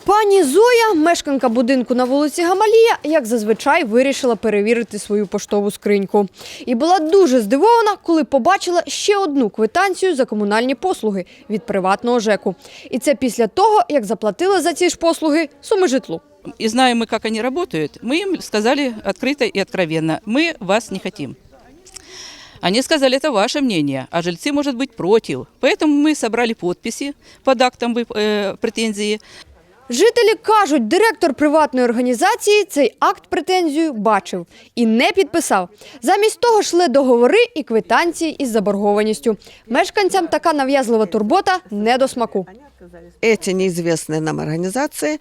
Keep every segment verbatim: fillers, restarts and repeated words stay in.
Пані Зоя, мешканка будинку на вулиці Гамалія, як зазвичай вирішила перевірити свою поштову скриньку. І була дуже здивована, коли побачила ще одну квитанцію за комунальні послуги від приватного ЖЕКу. І це після того, як заплатила за ці ж послуги суми житлу. И знаем мы, как они работают, мы им сказали открыто и откровенно: мы вас не хотим. Они сказали, это ваше мнение, а жильцы, может быть, против. Поэтому мы собрали подписи под актом э, претензии. Жителі кажуть, директор приватної організації цей акт претензію бачив і не підписав. Замість того йшли договори і квитанції із заборгованістю. Мешканцям така нав'язлива турбота не до смаку. Эти неизвестные нам организации,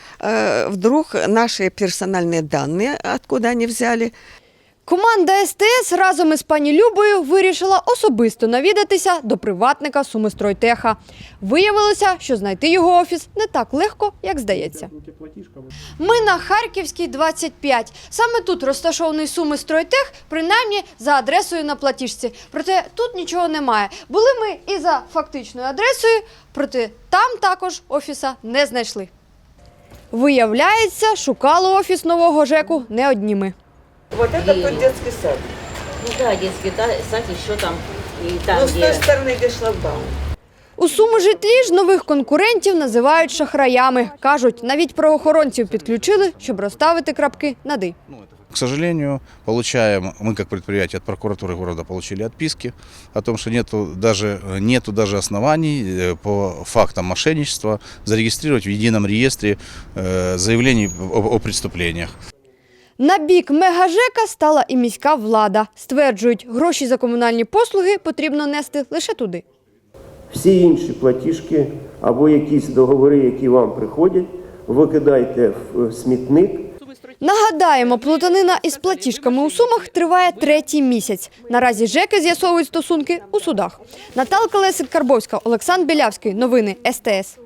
вдруг наши персональные данные, откуда они взяли. Команда ес те ес разом із пані Любою вирішила особисто навідатися до приватника Сумистройтеха. Виявилося, що знайти його офіс не так легко, як здається. Ми на Харківській, двадцять п'ять. Саме тут розташований Сумистройтех, принаймні за адресою на платіжці. Проте тут нічого немає. Були ми і за фактичною адресою, проте там також офіса не знайшли. Виявляється, шукали офіс нового ЖЕКу не одні ми. Вот это тот детский сад. Ну да, детский да, сад еще там. И там Ну, с где... той стороны, где шлагбаум. У Сумижитлі ж нових конкурентів називають шахраями. Кажуть, навіть правоохоронців підключили, щоб розставити крапки над «і». К сожалению, получаем, мы как предприятие от прокуратуры города получили отписки о том, что нету даже, нету даже оснований по фактам мошенничества зарегистрировать в едином реестре заявлений о, о преступлениях. На бік мегажека стала і міська влада. Стверджують, гроші за комунальні послуги потрібно нести лише туди. Всі інші платіжки або якісь договори, які вам приходять, викидайте в смітник. Нагадаємо, плутанина із платіжками у Сумах триває третій місяць. Наразі ЖЕКи з'ясовують стосунки у судах. Наталка Лесик-Карбовська, Олександр Білявський. Новини ес те ес.